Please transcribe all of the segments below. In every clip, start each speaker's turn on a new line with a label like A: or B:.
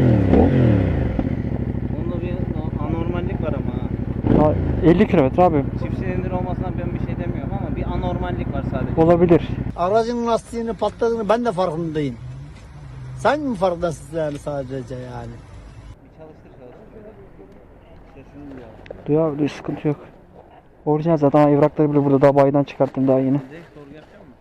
A: Bunda bir anormallik var ama ha.
B: 50 kilometre abi.
A: Çift silindir olmasına ben bir şey demiyorum ama bir anormallik var sadece.
B: Olabilir.
C: Aracın lastiğinin patladığını ben de farkındayım. Sen mi farkındasın yani sadece yani?
A: Bir çalıştır şöyle. Sesini duyalım.
B: Duyuyor abi, sıkıntı yok. Orijinal zaten evrakları bile burada, daha bayiden çıkarttım daha yeni.
A: Direkt sorgu yapacak mısın?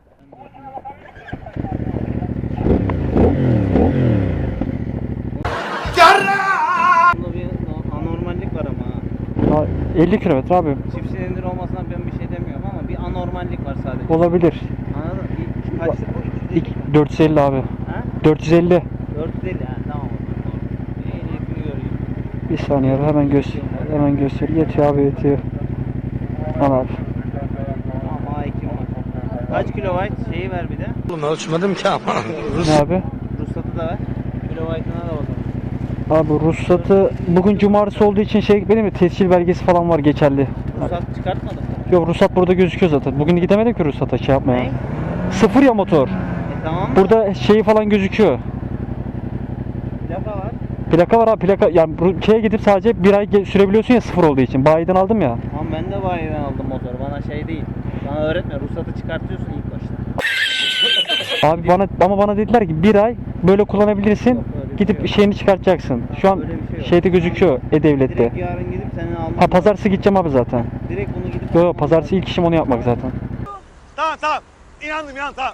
A: Bunda bir anormallik var ama ha.
B: 50 kilometre abi.
A: Çift silindir olmasına ben bir şey demiyorum ama bir anormallik var sadece.
B: Olabilir.
A: Anladın mı? Kaçtı bu? 250 mi?
B: 450 abi.
A: Ha?
B: 450.
A: 450 ha, tamam. Ehliyetini göreyim.
B: Bir saniye abi, hemen göster. Yetiyor abi, yetiyor. Al abi.
A: Tamam, A2 var. Kaç kilobayt şeyi ver bir de.
C: Oğlum ölçmedim ki ama.
B: Ne abi?
A: Ruhsatı da ver. Kilobaytına da bakalım.
B: Abi ruhsatı bugün cumartesi olduğu için benim mi, tescil belgesi falan var geçerli.
A: Ruhsat çıkartmadın mı?
B: Yok, ruhsat burada gözüküyor zaten. Bugün gidemedim ki ruhsata yapmaya.
A: Ne?
B: Sıfır ya motor.
A: Tamam mı?
B: Burada falan gözüküyor.
A: Plaka var.
B: Plaka var abi, plaka yani gidip sadece bir ay sürebiliyorsun ya, sıfır olduğu için. Bayiden aldım ya.
A: Tamam, ben de bayiden aldım motoru. Bana şey değil. Bana öğretme. Ruhsatı çıkartıyorsun ilk başta.
B: Abi bana dediler ki bir ay böyle kullanabilirsin.
A: Yok, öyle bir
B: Gidip
A: şey yok.
B: şeyini çıkartacaksın. Şu an
A: Öyle bir şey yok.
B: şeyde gözüküyor, E-Devlet'te.
A: Direkt yarın gidip senin alman.
B: Ha, pazartesi gideceğim abi zaten.
A: Direkt bunu gidip
B: Yo,
A: alman
B: pazartesi
A: lazım.
B: ilk işim onu yapmak zaten.
D: Tamam. İnandım tamam.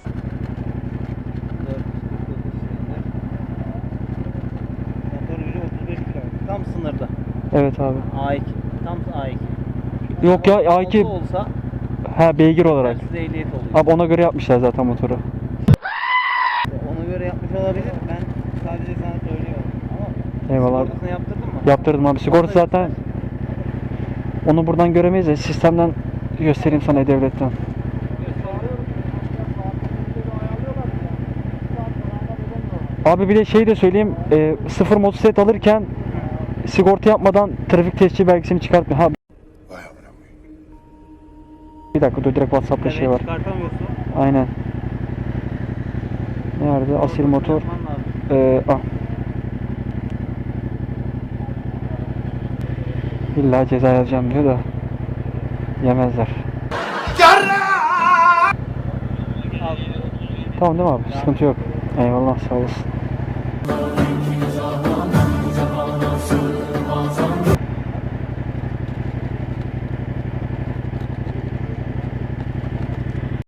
A: 449 silindir. Motor gücü 35 km. Tam sınırda.
B: Evet abi.
A: A2. Tam A2.
B: Yok ya, A2
A: A2 olsa
B: beygir olarak.
A: size ehliyet oluyor.
B: Abi ona göre yapmışlar zaten motoru.
A: Ona göre yapmış olabilir. Ben sadece sana söylüyorum. Ama
B: Eyvallah.
A: sigortasını yaptırdın mı?
B: Yaptırdım abi. Sigorta zaten onu buradan göremeyiz de sistemden göstereyim sana, E-Devlet'ten. Abi bir de şey de söyleyeyim, sıfır motosiklet alırken sigorta yapmadan trafik tescil belgesini çıkartmıyor. Ha, bir dakika dur, direkt WhatsApp'ta şey var.
A: Çıkartamıyorsun.
B: Aynen. Nerede? Asil motor.
A: Yapman lazım.
B: Ah. İlla ceza yazacağım diyor da yemezler.
A: Al.
B: Tamam değil mi abi? Sıkıntı yok. Eyvallah, sağ olasın.